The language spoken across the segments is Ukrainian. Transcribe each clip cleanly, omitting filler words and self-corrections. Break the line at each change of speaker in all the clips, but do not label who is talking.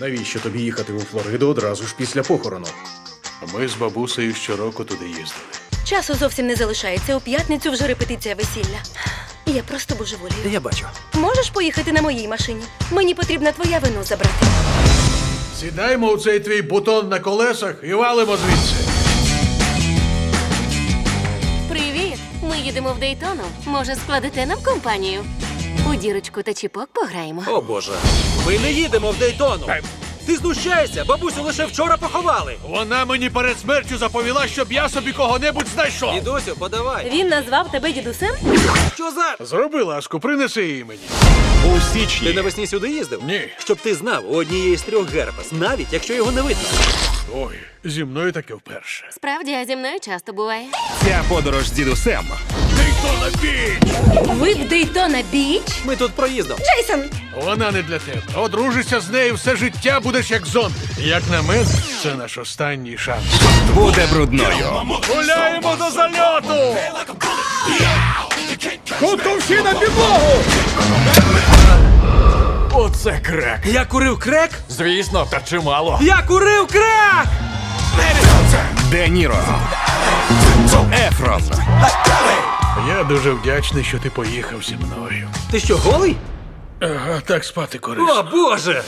Навіщо тобі їхати у Флориду одразу ж після похорону?
Ми з бабусею щороку туди їздили.
Часу зовсім не залишається. У п'ятницю вже репетиція весілля. Я просто божеволію.
Я бачу.
Можеш поїхати на моїй машині? Мені потрібна твоя вино забрати.
Сідаємо у цей твій бутон на колесах і валимо звідси.
Привіт! Ми їдемо в Дейтону. Може, складете нам компанію? У дірочку та чіпок пограємо.
О боже, ми не їдемо в Дейтону. Ти знущаєшся? Бабусю лише вчора поховали.
Вона мені перед смертю заповіла, щоб я собі кого-небудь знайшов.
Дідусю, подавай.
Він назвав тебе дідусем?
Що за...
Зроби ласку, принеси її мені.
У
Ти
січні.
навесні сюди їздив?
Ні.
Щоб ти знав, у однієї з трьох герпес, навіть якщо його не видно.
Ой, зі мною таке вперше.
Справді, а зі мною часто буває.
Ця подорож з дідусем
Дейтона Біч!
Ви в Дейтона Біч?
Ми тут проїздом.
Джейсон!
Вона не для тебе. Одружишся з нею, все життя будеш як зомбі. Як на мене, це наш останній шанс.
буде брудною.
Гуляємо до зальоту! Хутко всі на підлогу!
Оце крек.
Я курив крек?
Звісно, та чимало.
Я курив крек!
Де Ніро. Ефрон.
Я дуже вдячний, що ти поїхав зі мною.
Ти що, голий?
Ага, так спати корисно.
О, боже!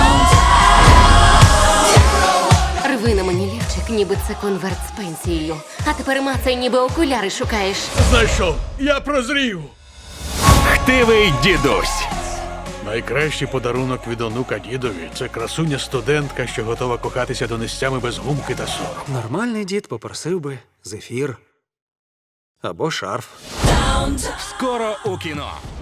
Рви на мені лівчик, ніби це конверт з пенсією. А тепер мацай, ніби окуляри шукаєш.
Знайшов, я прозрів.
Хтивий дідусь.
Найкращий подарунок від онука дідові – це красуня-студентка, що готова кохатися донестями без гумки та сору.
Нормальний дід попросив би зефір. Або шарф.
Скоро у кіно.